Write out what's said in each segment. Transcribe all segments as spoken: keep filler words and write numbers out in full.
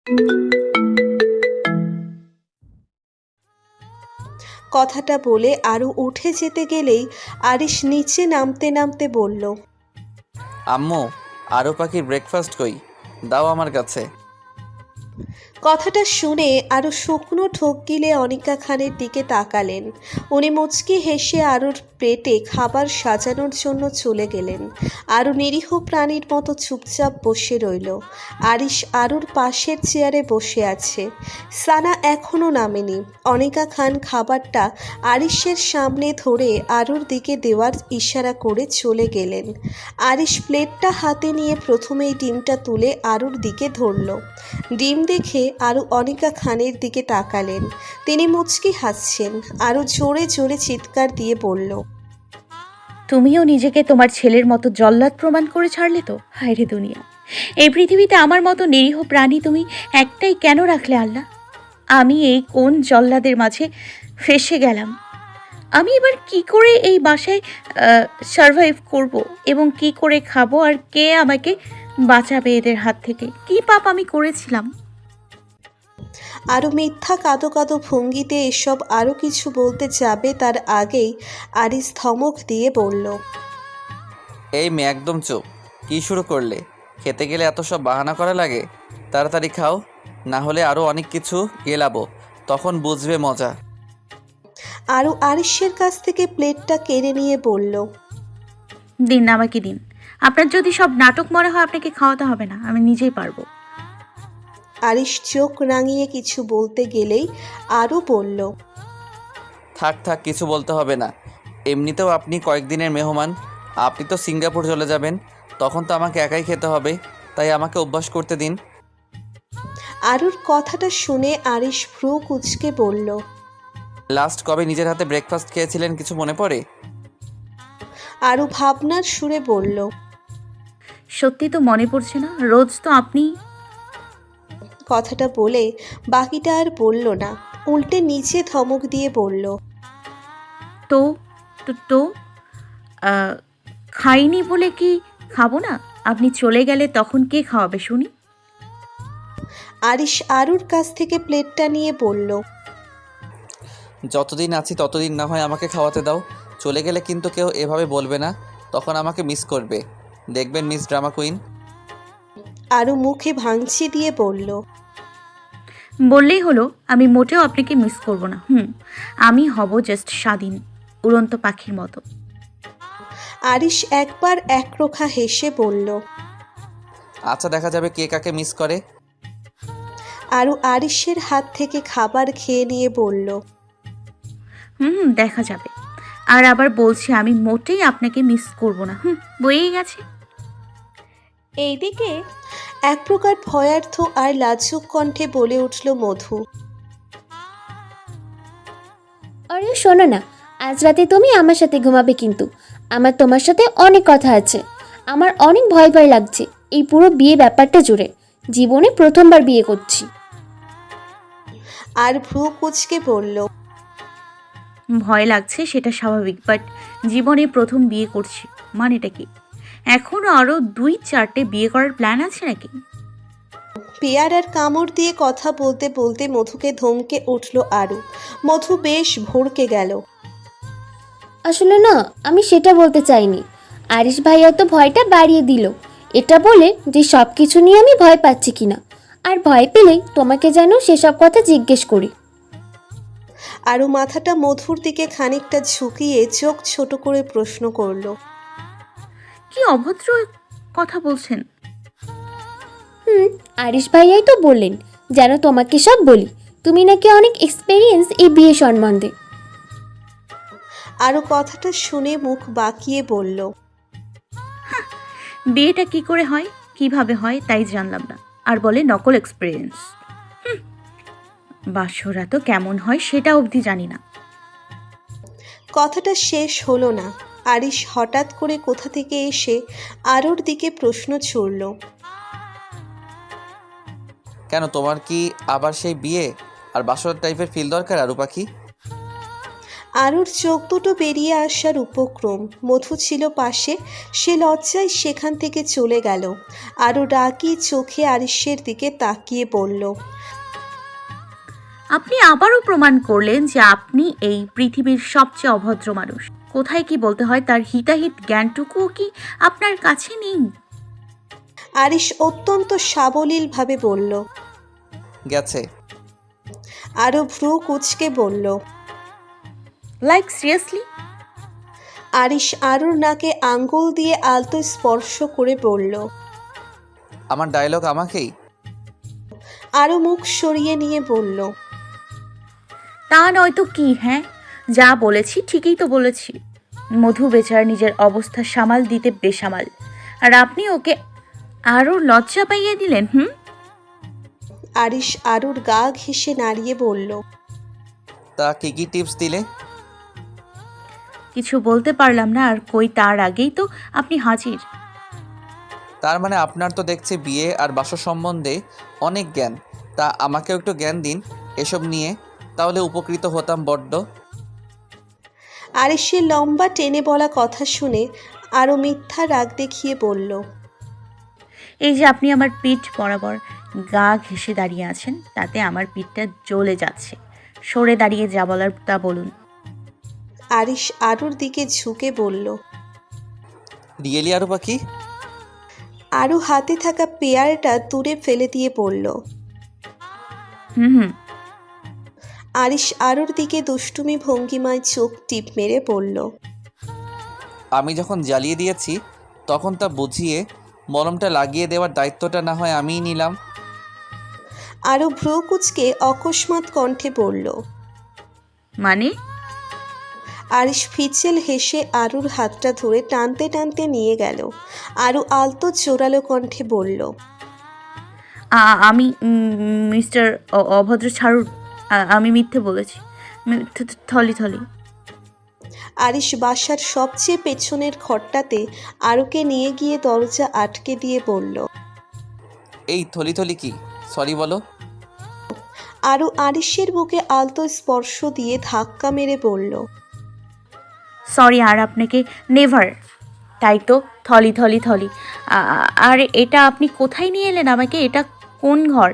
কথাটা বলে আরও উঠে যেতে গেলেই আরিশ নিচে নামতে নামতে বলল, আম্মু, আরও পাখির ব্রেকফাস্ট কই? দাও আমার কাছে। কথাটা শুনে আরও শুকনো ঢোক গিলে অনিকা খানের দিকে তাকালেন। উনি মুচকি হেসে আরুর প্লেটে খাবার সাজানোর জন্য চলে গেলেন। আরও নিরীহ প্রাণীর মতো চুপচাপ বসে রইল। আরিশ আরুর পাশের চেয়ারে বসে আছে। সানা এখনও নামেনি। অনিকা খান খাবারটা আরিশের সামনে ধরে আরুর দিকে দেওয়ার ইশারা করে চলে গেলেন। আরিশ প্লেটটা হাতে নিয়ে প্রথমেই ডিমটা তুলে আরুর দিকে ধরল। ডিম দেখে আরও অনিকা খানের দিকে তাকালেন। তিনি মুচকি হাসছেন। আরও জোরে জোরে চিৎকার দিয়ে বলল, তুমিও নিজেকে তোমার ছেলের মতো জল্লাদ প্রমাণ করে ছাড়লে তো। হায় রে দুনিয়া, এই পৃথিবীতে আমার মতো নিরীহ প্রাণী তুমি একটাই কেন রাখলে আল্লাহ? আমি এই কোন জল্লাদের মাঝে ফেসে গেলাম? আমি এবার কি করে এই বাসায় সারভাইভ করব এবং কি করে খাবো, আর কে আমাকে বাঁচাবে এদের হাত থেকে? কি পাপ আমি করেছিলাম? আরও মিথ্যা কাঁদো কাঁদো ভঙ্গিতে এসব আরও কিছু বলতে যাবে তার আগেই আরিস ধমক দিয়ে বলল, এই মেয়ে, একদম চুপ। কী শুরু করলে? খেতে গেলে এত সব বাহানা করা লাগে? তাড়াতাড়ি খাও, না হলে আরও অনেক কিছু গেলাবো, তখন বুঝবে মজা। আরও আরিশের কাছ থেকে প্লেটটা কেড়ে নিয়ে বলল, দিন আমাকে দিন। আপনার যদি সব নাটক মনে হয় আপনাকে খাওয়াতে হবে না, আমি নিজেই পারবো। আরিশ চোখ রাঙিয়ে কিছু বলতে গেলেই আরও বলল, থাক থাক, কিছু বলতে হবে না। এমনিতেও আপনি কয়েকদিনের মেহমান। আপনি তো সিঙ্গাপুর চলে যাবেন, তখন তো আমাকে একাই খেতে হবে, তাই আমাকে অভ্যাস করতে দিন। আরুর কথাটা শুনে আরিশ ভ্রু কুঁচকে বলল, লাস্ট কবে নিজের হাতে ব্রেকফাস্ট খেয়েছিলেন, কিছু মনে পড়ে? আরও ভাবনার সুরে বলল, সত্যি তো মনে পড়ছে না, রোজ তো আপনি। কথাটা বলে বাকিটা আর বলল না, উল্টে নিচে ধমক দিয়ে বলল, তো তো তো আহ, খাইনি বলে কি খাবো না? আপনি চলে গেলে তখন কে খাওয়াবে শুনি? আরিশ আরুর কাছ থেকে প্লেটটা নিয়ে বলল, যতদিন আছি ততদিন না হয় আমাকে খাওয়াতে দাও। চলে গেলে কিন্তু কেউ এভাবে বলবে না, তখন আমাকে মিস করবে। দেখবেন মিস ড্রামা কুইন। আরু মুখে ভাঙচি দিয়ে বলল, বললেই হলো, আমি মোটেও আপনাকে মিস করব না। হুম, আমি হব জাস্ট স্বাধীন উড়ন্ত পাখির মতো। আরিশ একবার একরোখা হেসে বলল। আচ্ছা, দেখা যাবে কে কাকে মিস করে। আরু আরিশের হাত থেকে খাবার খেয়ে নিয়ে বলল, হুম হুম, দেখা যাবে। আর আবার বলছি, আমি মোটেই আপনাকে মিস করব না। হুম, বয়েই গেছে। এইদিকে এক প্রকার ভয়ার্থ আর লাজুক কণ্ঠে বলে উঠল মধু। আরে শোনো না, আজ রাতে তুমি আমার সাথে ঘুমাবে, কিন্তু আমার তোমার সাথে অনেক কথা আছে। আমার অনেক ভয় ভয় লাগছে এই পুরো বিয়ে ব্যাপারটা জুড়ে। জীবনে প্রথমবার বিয়ে করছি। আর ভ্রু কুচকে বলল, ভয় লাগছে সেটা স্বাভাবিক, বাট জীবনে প্রথম বিয়ে করছি মানেটা কি? এখনও আরও দুই চারটে বিয়ে করার প্ল্যান আছে নাকি? পেয়ারার কামড় দিয়ে কথা বলতে বলতে মধুকে ধমকে উঠল আরু। মধু বেশ ভড়কে গেল। আসলে না, আমি সেটা বলতে চাইনি। আরিশ ভাইয়া তো ভয়টা বাড়িয়ে দিল, এটা বলে যে সব কিছু নিয়ে আমি ভয় পাচ্ছি কিনা, আর ভয় পেলেই তোমাকে যেন সেসব কথা জিজ্ঞেস করি। আরু মাথাটা মধুর দিকে খানিকটা ঝুঁকিয়ে চোখ ছোট করে প্রশ্ন করল, কি অভদ্র কথা বলছেন? হুম, আরিশ ভাইয়াই তো বললেন যেন তোমাকে সব বলি। তুমি নাকি অনেক এক্সপেরিয়েন্স এই বিয়ে সম্বন্ধে। আরু কথাটা শুনে মুখ বাঁকিয়ে বলল, বিয়েটা কি করে হয়, কিভাবে হয় তাই জানলাম না, আর বলে নকল এক্সপিরিয়েন্স। বাসরা তো কেমন হয় সেটা অবধি জানি না। কথাটা শেষ হলো না। আরিশ হঠাৎ করে কোথা থেকে এসে আরুর দিকে প্রশ্ন ছুড়ল, কেন, তোমার কি আবার সেই বিয়ে আর বাসর টাইপের ফিল দরকার আরু পাখি? আরুর চোখ দুটো বেরিয়ে আসার উপক্রম। মধু ছিল পাশে, সে লজ্জায় সেখান থেকে চলে গেল। আরু রাগী চোখে আরিশের দিকে তাকিয়ে বলল, আপনি আবারও প্রমাণ করলেন যে আপনি এই পৃথিবীর সবচেয়ে অভদ্র মানুষ। কোথায় কি বলতে হয় তার হিতাহিত জ্ঞানটুকুও কি আপনার কাছে নেই? আরিশ অত্যন্ত সাবলীলভাবে বলল। গেছে। আরু ভ্রু কুঁচকে বলল। Like seriously? আরিশ আরুর নাকে আঙ্গুল দিয়ে আলতো স্পর্শ করে বলল। আমার ডায়লগ আমাকেই? আরু মুখ সরিয়ে নিয়ে বলল, তা নয়তো কি? হ্যাঁ, যা বলেছি ঠিকই তো বলেছি। মধু বেচার নিজের অবস্থা সামাল দিতে বেসামাল, আর আপনি ওকে আরও লজ্জা পাইয়ে দিলেন। হুম আরিশ আরুর গা ঘেঁষে নাড়িয়ে বলল, তা কি কি টিপস দিলে? কিছু বলতে পারলাম না, আর কই তার আগেই তো আপনি হাজির। তার মানে আপনার তো দেখছি বিয়ে আর বাসর সম্বন্ধে অনেক জ্ঞান। তা আমাকেও একটু জ্ঞান দিন এসব নিয়ে, তাহলে উপকৃত হতাম বড্ড। আরিশের লম্বা টেনে বলা কথা শুনে আরও মিথ্যা রাগ দেখিয়ে বলল, এই যে আপনি আমার পিঠ বরাবর গা ঘেঁষে দাঁড়িয়ে আছেন, তাতে আমার পিঠটা জ্বলে যাচ্ছে। সরে দাঁড়িয়ে যা বলার তা বলুন। আরিশ আরুর দিকে ঝুঁকে বলল। রিয়েলি আরু পাখি? আরু হাতে থাকা পেয়ারটা দূরে ফেলে দিয়ে বলল। হুম হুম আরিশ আরুর দিকে দুষ্টুমি ভঙ্গিমায় চোখ টিপ মেরে বলল, আমি যখন জ্বালিয়ে দিয়েছি তখন তা বুঝিয়ে মলমটা লাগিয়ে দেওয়ার দায়িত্বটা না হয় আমিই নিলাম। আরু ভ্রু কুঁচকে অকস্মাৎ কণ্ঠে বলল। মানে? আরিশ ফিচেল হেসে আরুর হাতটা ধরে টানতে টানতে নিয়ে গেল। আরু আলতো জোরালো কণ্ঠে বলল, আ- আমি উম, মিস্টার অ- অভদ্র ছাড়ুন। আ- আমি মিথ্যে বলেছি। মি- থ- থ- থলি থলি। আরিশ বাসার সবচেয়ে পেছনের ঘরটাতে আরুকে নিয়ে গিয়ে দরজা আটকে দিয়ে বলল। এই থলি থলি কি? সরি বলো। আরু আরিশের বুকে আলতো স্পর্শ দিয়ে ধাক্কা মেরে বলল, সরি, আর আপনাকে নেভার। তাই তো, থলি থলি থলি। আ- আ- আর এটা আপনি কোথায় নিয়ে এলেন আমাকে? এটা কোন ঘর?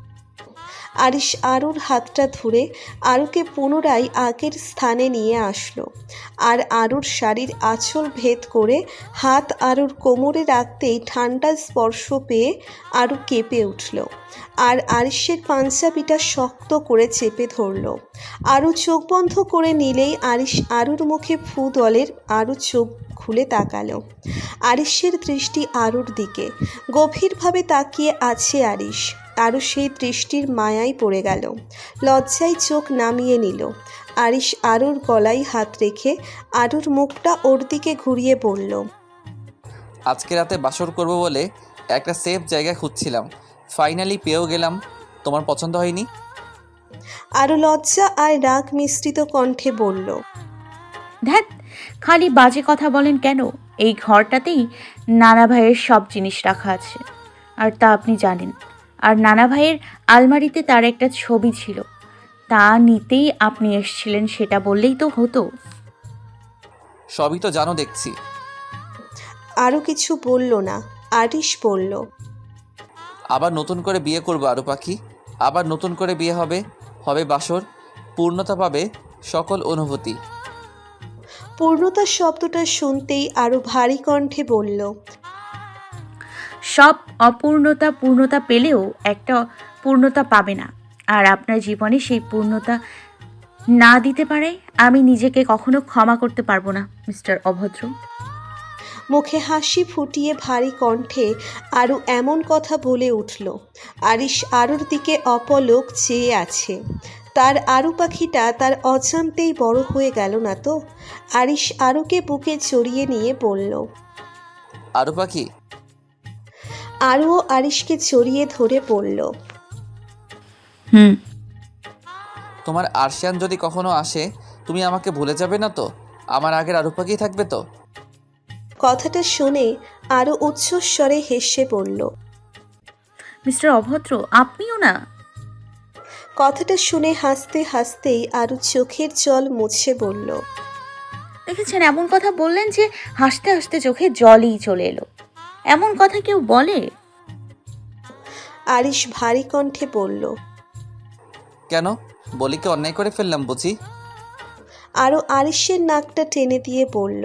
আরিশ আরুর হাতটা ধরে আরুকে পুনরায় আগের স্থানে নিয়ে আসলো। আর আরুর শাড়ির আঁচল ভেদ করে হাত আরুর কোমরে রাখতেই ঠান্ডা স্পর্শ পেয়ে আরু কেঁপে উঠল। আর আরিশের পাঞ্জাবিটা শক্ত করে চেপে ধরল। আরু চোখ বন্ধ করে নিলেই আরিশ আরুর মুখে ফু দলের। আরু চোখ খুলে তাকালো। আরিশের দৃষ্টি আরুর দিকে গভীরভাবে তাকিয়ে আছে আরিশ। আরও সেই দৃষ্টির মায়ায় পড়ে গেল। লজ্জায় চোখ নামিয়ে নিল। আরিশ আরুর গলায় হাত রেখে আরুর মুখটা ওর দিকে ঘুরিয়ে বলল, আজকে রাতে বাসর করব বলে একটা সেফ জায়গা খুঁজছিলাম, ফাইনালি পেয়েও গেলাম। তোমার পছন্দ হয়নি? আরু লজ্জা আর রাগ মিশ্রিত কণ্ঠে বলল, ধ্যাত, খালি বাজে কথা বলেন কেন? এই ঘরটাতেই নানা ভাইয়ের সব জিনিস রাখা আছে, আর তা আপনি জানেন। আর নানা ভাইয়ের আলমারিতে তার একটা ছবি ছিল, তা নিতেই আপনি এসেছিলেন, সেটা বললেই তো হতো। সবই তো জানো দেখছি। আরও কিছু বলল না। আরিশ বলল, আবার নতুন করে বিয়ে করবো আরু পাখি, আবার নতুন করে বিয়ে হবে, হবে বাসর, পূর্ণতা পাবে সকল অনুভূতি। পূর্ণতা শব্দটা শুনতেই আরও ভারী কণ্ঠে বলল, সব অপূর্ণতা পূর্ণতা পেলেও একটা পূর্ণতা পাবে না, আর আপনার জীবনে সেই পূর্ণতা না দিতে পারে আমি নিজেকে কখনো ক্ষমা করতে পারবো না মিস্টার অভদ্র। মুখে হাসি ফুটিয়ে ভারী কণ্ঠে আরু এমন কথা বলে উঠল। আরিশ আরুর দিকে অপলক চেয়ে আছে। তার আরু পাখিটা তার অজান্তেই বড় হয়ে গেল না তো? আরিশ আরুকে বুকে জড়িয়ে নিয়ে বলল। আরু পাখি। আরুও আরিশকে জড়িয়ে ধরে বলল, হুম তোমার আরশিয়ান যদি কখনো আসে তুমি আমাকে ভুলে যাবে না তো? আমার আগের আরু পাখি থাকবে তো? কথাটা শুনে আরও উচ্চস্বরে হেসে বলল, মিস্টার অভদ্র, আপনিও না? কথাটা শুনে হাসতে হাসতেই আরু চোখের জল মুছে বলল, দেখেছেন, এমন কথা বললেন যে হাসতে হাসতে চোখে জলই চলে এলো। এমন কথা কেউ বলে? আরিশ ভারী কণ্ঠে বলল। কেন? বলি কি অন্যায় করে ফেললাম বুঝি? আরও আরিশের নাকটা টেনে দিয়ে বলল,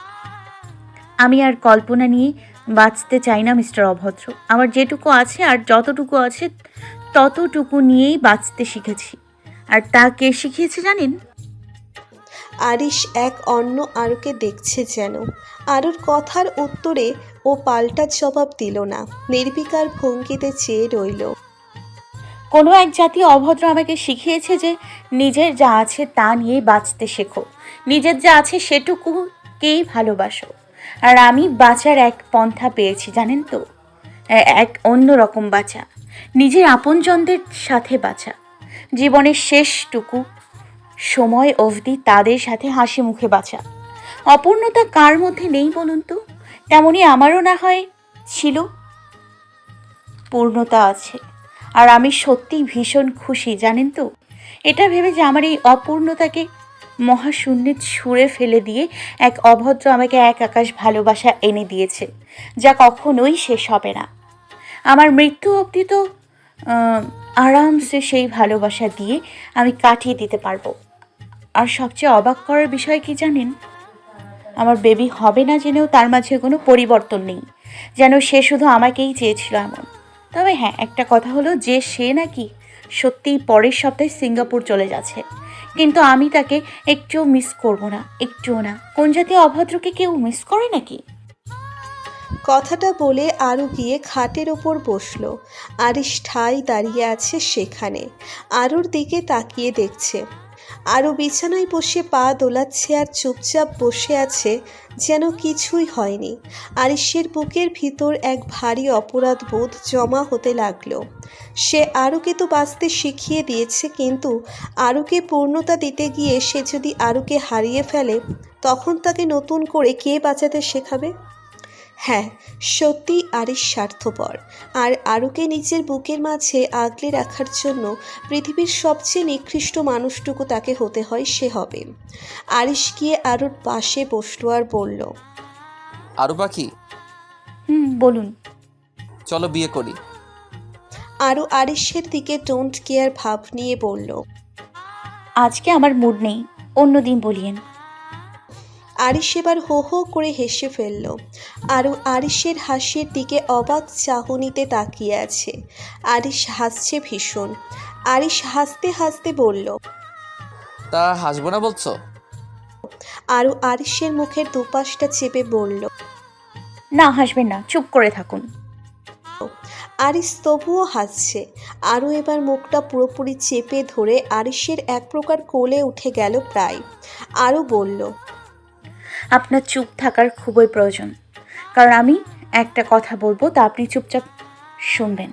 আমি আর কল্পনা নিয়ে বাঁচতে চাই না মিস্টার অভদ্র। আমার যেটুকু আছে আর যতটুকু আছে ততটুকু নিয়েই বাঁচতে শিখেছি। আর তা কে শিখিয়েছে জানেন? আরিশ এক অন্য আরুকে দেখছে যেন। আরুর কথার উত্তরে ও পাল্টা জবাব দিল না, নির্বিকার ভঙ্গিতে চেয়ে রইল। কোনো এক জাতীয় অভদ্র আমাকে শিখিয়েছে যে নিজের যা আছে তা নিয়েই বাঁচতে শেখো, নিজের যা আছে সেটুকুকেই ভালোবাসো। আর আমি বাঁচার এক পন্থা পেয়েছি জানেন তো, এ- এক অন্য রকম বাঁচা, নিজের আপনজনদের সাথে বাঁচা, জীবনের শেষটুকু সময় অবধি তাদের সাথে হাসি মুখে বাঁচা। অপূর্ণতা কার মধ্যে নেই বলুন তো? তেমনি আমারও না হয় ছিল, পূর্ণতা আছে। আর আমি সত্যিই ভীষণ খুশি জানেন তো, এটা ভেবে যে আমার এই অপূর্ণতাকে মহাশূন্যে ছুঁড়ে ফেলে দিয়ে এক অভদ্র আমাকে এক আকাশ ভালোবাসা এনে দিয়েছে, যা কখনোই শেষ হবে না। আমার মৃত্যু অবধি তো আহ, আরামসে সেই ভালোবাসা দিয়ে আমি কাটিয়ে দিতে পারবো। আর সবচেয়ে অবাক করার বিষয় কি জানেন? আমার বেবি হবে না জেনেও তার মাঝে কোনো পরিবর্তন নেই, যেন সে শুধু আমাকেই চেয়েছিল এমন। তবে হ্যাঁ, একটা কথা হলো যে সে নাকি সত্যিই পরের সপ্তাহে সিঙ্গাপুর চলে যাচ্ছে, কিন্তু আমি তাকে একটুও মিস করব না, একটুও না। কোন জাতীয় অভদ্রকে কেউ মিস করে নাকি? কথাটা বলে আরু গিয়ে খাটের ওপর বসলো। আরিশ ঠাই দাঁড়িয়ে আছে সেখানে, আরুর দিকে তাকিয়ে দেখছে। আরু বিছানায় বসে পা দোলাচ্ছে আর চুপচাপ বসে আছে, যেন কিছুই হয়নি। আরিশের বুকের ভিতর এক ভারী অপরাধ বোধ জমা হতে লাগলো। সে আরুকে তো বাঁচতে শিখিয়ে দিয়েছে, কিন্তু আরুকে পূর্ণতা দিতে গিয়ে সে যদি আরুকে হারিয়ে ফেলে, তখন তাকে নতুন করে কে বাঁচাতে শেখাবে? হ্যাঁ, সত্যি আরিশ স্বার্থপর, আর আরুকে নিজের বুকের মাঝে আগলে রাখার জন্য পৃথিবীর সবচেয়ে নিকৃষ্ট মানুষটুকু তাকে হতে হয় সে হবে। আরিশ গিয়ে আরুর পাশে বসলো আর বলল, আরু পাখি, হুম, বলুন। চলো বিয়ে করি। আরু আরিশের দিকে ডোন্ট কেয়ার ভাব নিয়ে বলল, আজকে আমার মুড নেই, অন্য দিন বলিয়েন। আরিশ এবার হো হো করে হেসে ফেলল। আরু আরিশের হাসির দিকে অবাক চাহনিতে তাকিয়ে আছে। আরিশ হাসছে ভীষণ। আরিশ হাসতে হাসতে বলল, তা হাসবো না বলছো? আরু আরিশের মুখের দুপাশটা চেপে বলল। না, হাসবেন না, চুপ করে থাকুন। আরিশ তবুও হাসছে। আরু এবার মুখটা পুরোপুরি চেপে ধরে আরিশের এক প্রকার কোলে উঠে গেল প্রায়। আরু বলল, আপনার চুপ থাকার খুবই প্রয়োজন, কারণ আমি একটা কথা বলবো, তা আপনি চুপচাপ শুনবেন।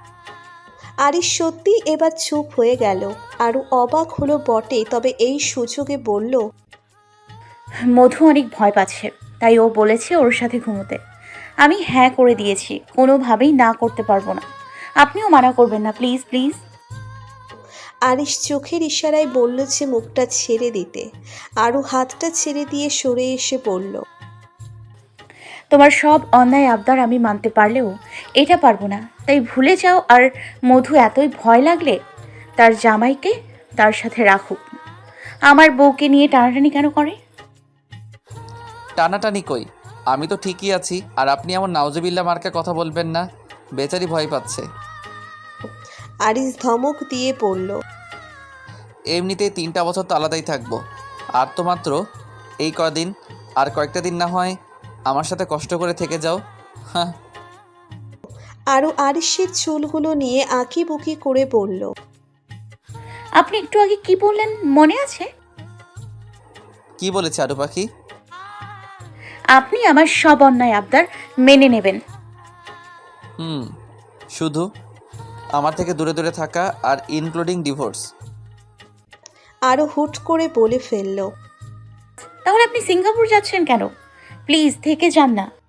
আরিশ সত্যি এবার চুপ হয়ে গেল। আরু অবাক হলো বটে, তবে এই সুযোগে বলল, মধু অনেক ভয় পাচ্ছে, তাই ও বলেছে ওর সাথে ঘুমোতে। আমি হ্যাঁ করে দিয়েছি, কোনোভাবেই না করতে পারবো না। আপনিও মানা করবেন না, প্লিজ প্লিজ। আরিশ চোখের ইশারায় বলল যে মুখটা ছেড়ে দিতে। আরু হাতটা ছেড়ে দিয়ে সরে এসে বলল, তোমার সব অন্যায় আবদার আমি মানতে পারলেও এটা পারবো না, তাই ভুলে যাও। আর মধু এতই ভয় লাগলে তার জামাইকে তার সাথে রাখুক, আমার বউকে নিয়ে টানাটানি কেন করে? টানাটানি কই, আমি তো ঠিকই আছি। আর আপনি আমার নাউজুবিল্লাহ মার্কা কথা বলবেন না, বেচারি ভয় পাচ্ছে। আরিশ ধমক দিয়ে বলল, এমনিতেই তিনটা বছর তো আলাদাই থাকবো, আর তো মাত্র এই কদিন। আর কয়েকটা দিন না হয় আমার সাথে কষ্ট করে থেকে যাও। হ্যাঁ। আরু আরিশের চুলগুলো নিয়ে আঁকি বুকি করে বলল, আপনি একটু আগে কি বললেন মনে আছে? কি বলেছে আরু পাখি? আপনি আমার সব অন্যায় আবদার মেনে নেবেন। হুম, শুধু আমার থেকে দূরে দূরে থাকা আর ইনক্লুডিং ডিভোর্স। আরু হুট করে বলে ফেলল, তাহলে আপনি সিঙ্গাপুর যাচ্ছেন কেন? প্লিজ থেকে যান না।